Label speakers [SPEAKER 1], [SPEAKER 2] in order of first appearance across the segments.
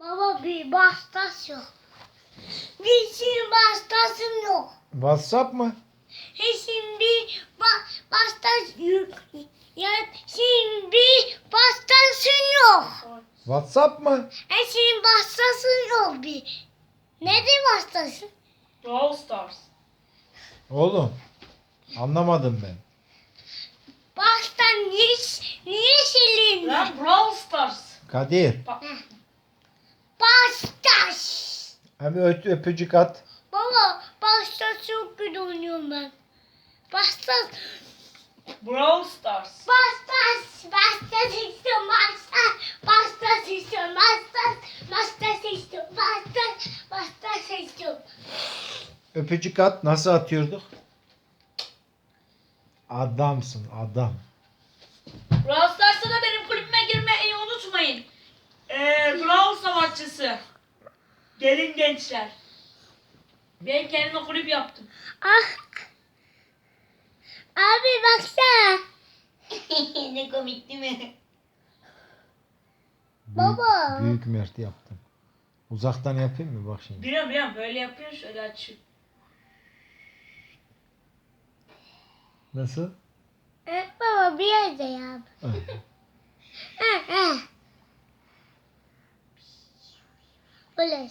[SPEAKER 1] Baba bir bastasyon. Bir şimdi bastasyon yok.
[SPEAKER 2] WhatsApp mı?
[SPEAKER 1] Şimdi bastasyon ya şimdi bastasyon yok.
[SPEAKER 2] WhatsApp mı?
[SPEAKER 1] Şimdi bastasyon yok bir. Nedir bastasyon?
[SPEAKER 3] Brawl Stars.
[SPEAKER 2] Oğlum. Anlamadım ben.
[SPEAKER 1] Bastan niye silindi?
[SPEAKER 3] Lan Brawl Stars.
[SPEAKER 2] Kadir.
[SPEAKER 1] Bastas.
[SPEAKER 2] Hem öpücük at.
[SPEAKER 1] Baba bastas çok kötü oynuyorum ben. Bastas.
[SPEAKER 3] Brawl Stars.
[SPEAKER 1] Bastas istiyorum bastas istiyorum bastas istiyorum.
[SPEAKER 2] Öpücük at. Nasıl atıyorduk? Adamsın adam.
[SPEAKER 3] Brawl Stars'ta da benim kulübüme girmeyi unutmayın. Brawl Savaşçısı. Gelin gençler. Ben kendime kulüp yaptım.
[SPEAKER 1] Ah. Abi baksana.
[SPEAKER 3] Ne komik değil mi?
[SPEAKER 1] Baba.
[SPEAKER 2] Büyük Mert yaptım. Uzaktan yapayım mı? Bak şimdi.
[SPEAKER 3] Biliyorum böyle yapıyor şöyle açıyor.
[SPEAKER 2] Nasıl?
[SPEAKER 1] Baba bir yerde yap. Böyle.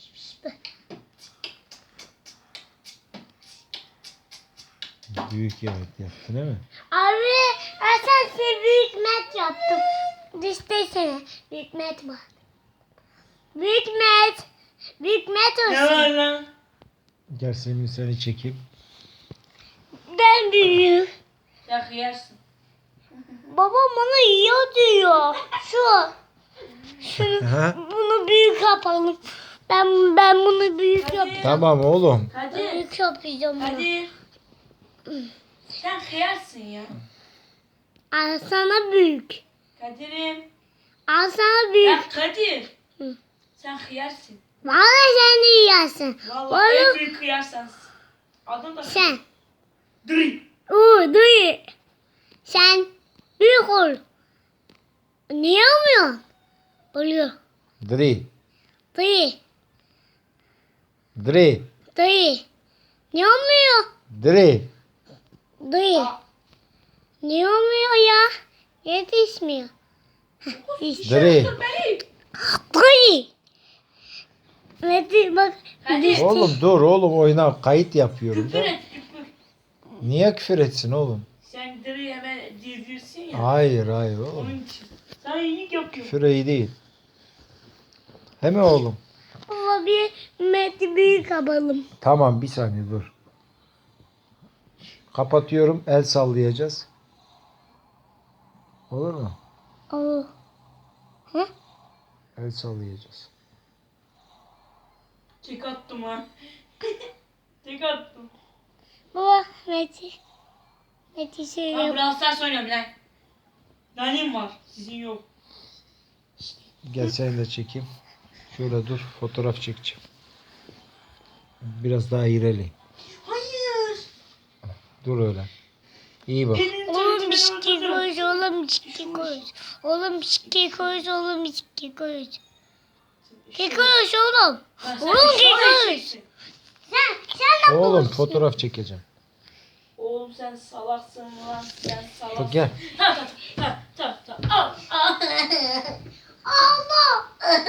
[SPEAKER 2] Büyük evet yaptın değil mi?
[SPEAKER 1] Abi sen büyük met yaptım. Diştesene. Büyük met var. Büyük met. Büyük met
[SPEAKER 3] Ne var
[SPEAKER 1] olsun.
[SPEAKER 3] lan?
[SPEAKER 2] Gel seni çekeyim.
[SPEAKER 1] Ben büyüğüm.
[SPEAKER 3] Ya yersin.
[SPEAKER 1] Babam bana yiyor diyor. Şunu
[SPEAKER 2] Aha.
[SPEAKER 1] bunu büyük yapalım. Ben bunu büyük
[SPEAKER 3] Hadi.
[SPEAKER 1] yapacağım.
[SPEAKER 2] Tamam oğlum.
[SPEAKER 3] Kadir.
[SPEAKER 1] Büyük yapacağım bunu.
[SPEAKER 3] Kadir. Sen kıyarsın ya.
[SPEAKER 1] Al sana büyük.
[SPEAKER 3] Kadir'im.
[SPEAKER 1] Al sana büyük.
[SPEAKER 3] Ya Kadir.
[SPEAKER 1] Hı.
[SPEAKER 3] Sen kıyarsın.
[SPEAKER 1] Vallahi sen de yiyorsun.
[SPEAKER 3] Vallahi en
[SPEAKER 1] Oğlum
[SPEAKER 3] büyük kıyar sensin. Adın da
[SPEAKER 1] sen.
[SPEAKER 3] Dri.
[SPEAKER 1] Duy. Sen büyük ol. Niye olmuyor? Oluyor.
[SPEAKER 2] Dri.
[SPEAKER 1] Duy.
[SPEAKER 2] Dri.
[SPEAKER 1] Duy. Niye olmuyor?
[SPEAKER 2] Dri.
[SPEAKER 1] Duy.
[SPEAKER 3] Aa.
[SPEAKER 1] Niye olmuyor ya? Yetişmiyor.
[SPEAKER 2] Dri.
[SPEAKER 3] Dur beni.
[SPEAKER 1] Duy. Metin bak.
[SPEAKER 3] Hadi.
[SPEAKER 1] düştü.
[SPEAKER 2] Oğlum dur oğlum oyna. Kayıt yapıyorum
[SPEAKER 3] Küfür
[SPEAKER 2] da.
[SPEAKER 3] et küfür.
[SPEAKER 2] Niye küfür etsin oğlum?
[SPEAKER 3] Sen Dri hemen diyorsun ya.
[SPEAKER 2] Hayır oğlum.
[SPEAKER 3] Onun için. Sen iyilik yapıyorsun.
[SPEAKER 2] Küfür iyi değil. Hemen oğlum.
[SPEAKER 1] Baba bir Meti büyük yapalım.
[SPEAKER 2] Tamam bir saniye dur. Kapatıyorum. El sallayacağız. Olur mu?
[SPEAKER 1] Oo. Hı?
[SPEAKER 2] El sallayacağız.
[SPEAKER 3] Tek attım ha. Tek attım.
[SPEAKER 1] Baba Meti. Meti
[SPEAKER 3] Ben
[SPEAKER 1] söylüyor.
[SPEAKER 3] Brawl Stars oynuyorum lan. Benim var. Sizin yok.
[SPEAKER 2] Gel seni de çekeyim. Şöyle dur. Fotoğraf çekeceğim. Biraz daha ilerleyin.
[SPEAKER 3] Hayır.
[SPEAKER 2] Dur öyle. İyi bak.
[SPEAKER 3] Benim
[SPEAKER 1] Oğlum
[SPEAKER 3] tüytümü
[SPEAKER 1] bisiklet
[SPEAKER 3] öldürdün.
[SPEAKER 1] koyuz, oğlum bisiklet koyuz. Oğlum bisiklet koyuz, oğlum bisiklet koyuz. Kek koyuz oğlum.
[SPEAKER 3] Lan sen
[SPEAKER 1] Oğlum
[SPEAKER 3] şöyle
[SPEAKER 1] kek koyuz.
[SPEAKER 3] çektin.
[SPEAKER 1] Sen
[SPEAKER 2] Oğlum fotoğraf çekeceğim.
[SPEAKER 3] Oğlum sen salaksın lan. Sen salaksın.
[SPEAKER 2] Bak gel.
[SPEAKER 3] Al.
[SPEAKER 1] Allah.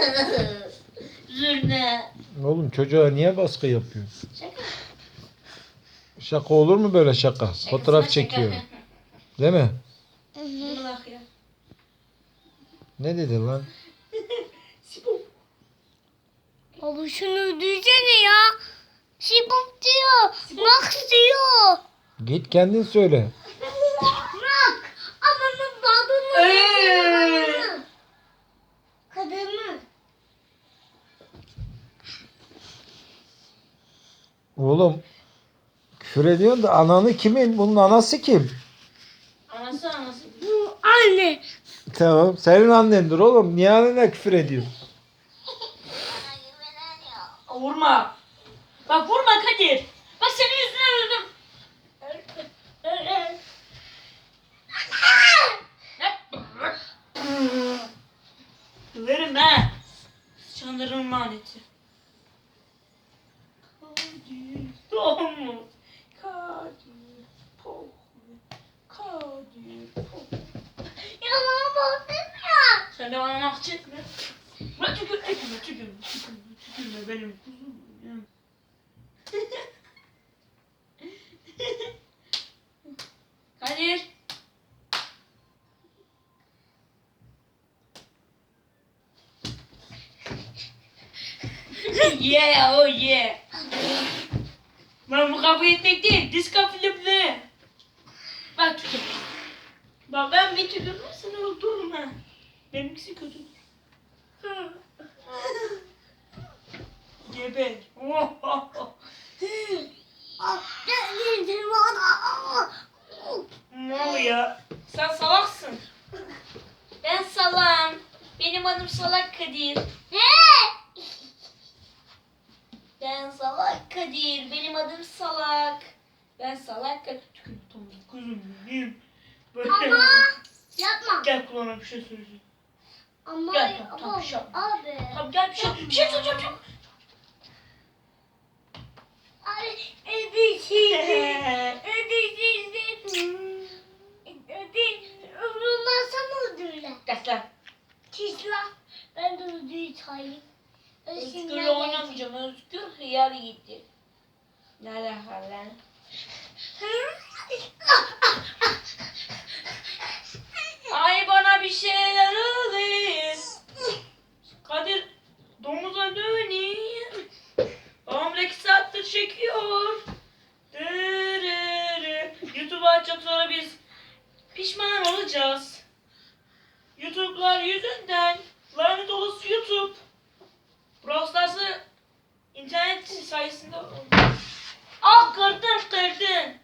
[SPEAKER 3] Zürne.
[SPEAKER 2] Oğlum çocuğa niye baskı yapıyorsun?
[SPEAKER 3] Şaka.
[SPEAKER 2] Şaka olur mu böyle şaka? Fotoğraf çekiyorum. Değil mi?
[SPEAKER 3] Bunu bak ya.
[SPEAKER 2] Ne dedin lan?
[SPEAKER 3] Sibu.
[SPEAKER 1] Baba şunu düzene ya. Sibop diyor. Max diyor.
[SPEAKER 2] Git kendin söyle.
[SPEAKER 1] Max. Ananın babını. Kadını.
[SPEAKER 2] Oğlum küfür ediyorsun da ananı kimin? Bunun anası kim?
[SPEAKER 3] Anası.
[SPEAKER 1] Bu anne.
[SPEAKER 2] Tamam. Senin annendir oğlum. Niye annene küfür ediyorsun?
[SPEAKER 3] Vurma. Bak vurma Kadir. Bak senin yüzünden öldüm. Döverim ben. Çanları Kadir'in laneti. Kadir, Domuz. Kadir, Pohri. Kadir, Pohri.
[SPEAKER 1] Ya bana bahsetmiyor.
[SPEAKER 3] Sen de bana nah çekme. Bırak tükürme benim kuzum. Kadir. Yeah, oh yeah. Ben bu kavga etmek değil, diska filmleri. Bak tükür. Bak ben bir tükürürüm, seni öldürürüm ha. Benimkisi kötüdür. Geber. Mal ya. Sen salaksın. Ben salam. Benim adım Salak Kadir. Ben Salak Kadir. Benim adım Salak. Ben Salak Kadir. Tükür tamam kuzum benim. Böyle.
[SPEAKER 1] Ama yapma.
[SPEAKER 3] Gel kulağına bir şey söyleyeceğim.
[SPEAKER 1] Ama
[SPEAKER 3] Gel, tamam, şey yapma.
[SPEAKER 1] abi.
[SPEAKER 3] Tamam gel bir şey söyleyeceğim çok.
[SPEAKER 1] Abi Öldürmezsem öldürürler.
[SPEAKER 3] Gel lan.
[SPEAKER 1] Çizla. Ben de öldürü çayım.
[SPEAKER 3] Özgür'le oynamayacağım. Özgür hıyar gitti. Ne alaka lan? Ay bana bir şeyler oluyor. Kadir domuza döneyim. Babam 2 saattir çekiyor. YouTube'u açacak sonra biz pişman olacağız. YouTube'lar yüzünden. Lanet olası YouTube. Brawl Stars'ı internet sayesinde... Ah kırdın.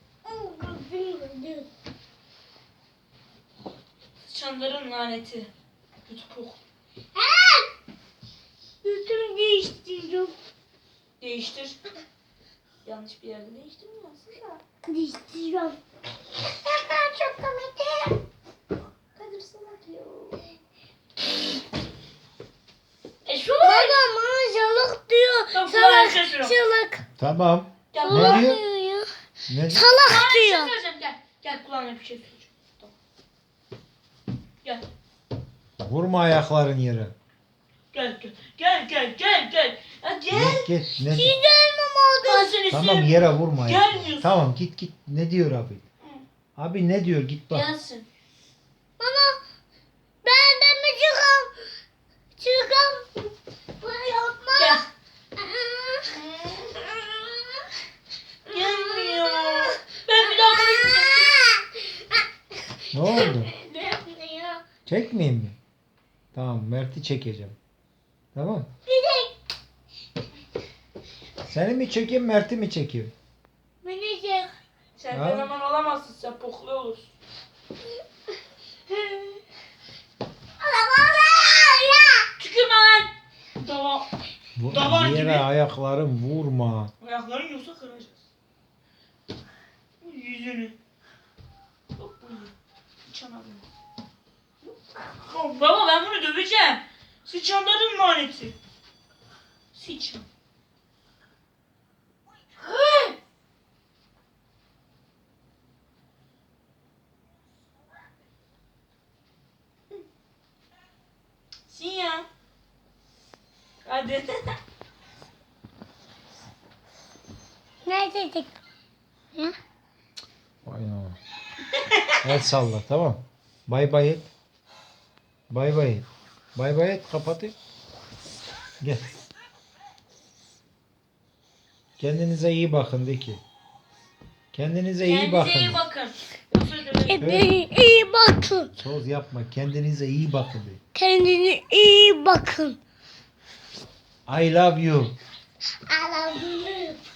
[SPEAKER 3] Sıçanların laneti. YouTube.
[SPEAKER 1] Yüzümü değiştiriyorum.
[SPEAKER 3] Değiştir. Yanlış bir yerde değiştirmiyorsun da.
[SPEAKER 1] Değiştiriyorum. Ben çok komik.
[SPEAKER 3] Kadir salak diyor.
[SPEAKER 1] Bana salak diyor.
[SPEAKER 3] Tamam,
[SPEAKER 1] Salak.
[SPEAKER 3] ben şaşırıyorum.
[SPEAKER 1] Salak.
[SPEAKER 2] Tamam.
[SPEAKER 3] Gel
[SPEAKER 2] Ne
[SPEAKER 1] Salak
[SPEAKER 2] diyor?
[SPEAKER 1] diyor ya.
[SPEAKER 2] Ne?
[SPEAKER 1] Salak
[SPEAKER 3] Kulağına bir şey
[SPEAKER 1] diyor.
[SPEAKER 3] söyleyeceğim gel. Gel kulağına bir şey söyleyeceğim. Tamam. Gel.
[SPEAKER 2] Vurma ayakların yere.
[SPEAKER 3] Gel. Ya gel.
[SPEAKER 2] Git git. Ne?
[SPEAKER 1] Gelmem
[SPEAKER 3] Ben
[SPEAKER 1] oldu.
[SPEAKER 3] seni
[SPEAKER 2] Tamam
[SPEAKER 3] sevmiyorum.
[SPEAKER 2] yere vurma ayakları.
[SPEAKER 3] Gelmiyorsun.
[SPEAKER 2] Tamam git. Ne diyor abi? Abi ne diyor? Git bak.
[SPEAKER 3] Gelsin.
[SPEAKER 1] Bana ben de mi çıkam? Çıkam. Bunu yapma.
[SPEAKER 3] Gel. Gelmiyor. Ben bir daha konuşmayacağım.
[SPEAKER 2] Ne oldu?
[SPEAKER 1] Ne yapıyor?
[SPEAKER 2] Çekmeyeyim mi? Tamam Mert'i çekeceğim. Tamam.
[SPEAKER 1] Bir de
[SPEAKER 2] Seni mi çekeyim Mert'i mi çekeyim?
[SPEAKER 1] beni çek.
[SPEAKER 3] Sen
[SPEAKER 2] Ha?
[SPEAKER 3] fenomen olamazsın. Sen poklu olursun. Tükürme lan. Tamam. Davar
[SPEAKER 2] Yere
[SPEAKER 3] gibi.
[SPEAKER 2] ayakların vurma.
[SPEAKER 3] Ayakların yoksa kıracağız. Bu yüzünü. Yok bu yüzünü. Sıçanalım. Baba ben bunu döveceğim. Sıçanların laneti. Sıçan. Sin ya. Hadi.
[SPEAKER 1] Ne dedik? Ya?
[SPEAKER 2] Vay anam. El salla tamam. Bay bay et. Bay bay et. Bay bay et kapatayım. Gel. Kendinize iyi bakın de ki. Kendinize iyi bakın.
[SPEAKER 3] Kendinize iyi bakın. Özür dilerim.
[SPEAKER 1] Kendine iyi bakın.
[SPEAKER 2] Söz yapma. Kendinize iyi bakın de.
[SPEAKER 1] Kendine iyi bakın.
[SPEAKER 2] I love you.
[SPEAKER 1] I love you.